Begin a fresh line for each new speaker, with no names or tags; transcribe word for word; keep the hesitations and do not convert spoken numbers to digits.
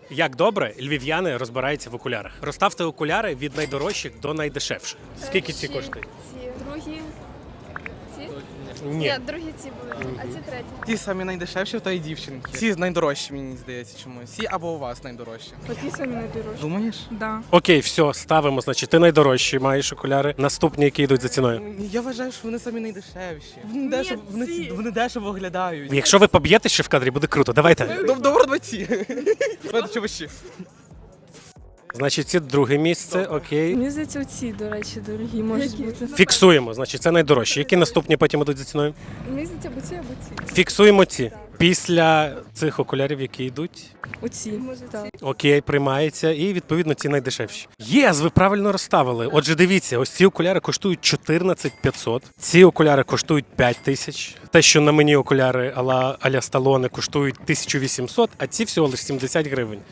Як добре львів'яни розбираються в окулярах. Розставте окуляри від найдорожчих до найдешевших. Скільки ці
Перші,
коштують?
Ці другі. Ці?
Ні.
Ні, другі ці були, а ці треті.
Ті самі найдешевші в тої дівчинки. Ці найдорожчі, мені здається, чомусь. Ці або у вас найдорожчі.
Оті самі найдорожчі.
Думаєш?
Да.
Окей, все, ставимо. Значить, ти найдорожчі маєш окуляри. Наступні, які йдуть за ціною.
Я вважаю, що вони самі найдешевші. Вони дешево, вони,
ці.
вони дешево виглядають.
Якщо ви поб'єте ще в кадрі, буде круто. Давайте.
Доб- Добре, два ці. Чувачі.
Значить, це друге місце. Окей.
Мені здається, оці, до речі, дорогі можуть бути.
Фіксуємо. Значить, це найдорожчі. Які наступні потім йдуть за ціною?
Мені здається, або ці, або ці.
Фіксуємо ці. Після цих окулярів, які йдуть.
Оці.
Може,
так.
ці.
Окей, приймається. І відповідно ці найдешевші. Єс, ви правильно розставили. Отже, дивіться, ось ці окуляри коштують чотирнадцять п'ятсот. Ці окуляри коштують п'ять тисяч. Те, що на мені окуляри а-ля, а-ля Сталоне коштують тисячу вісімсот, а ці всього лише сімдесят гривень.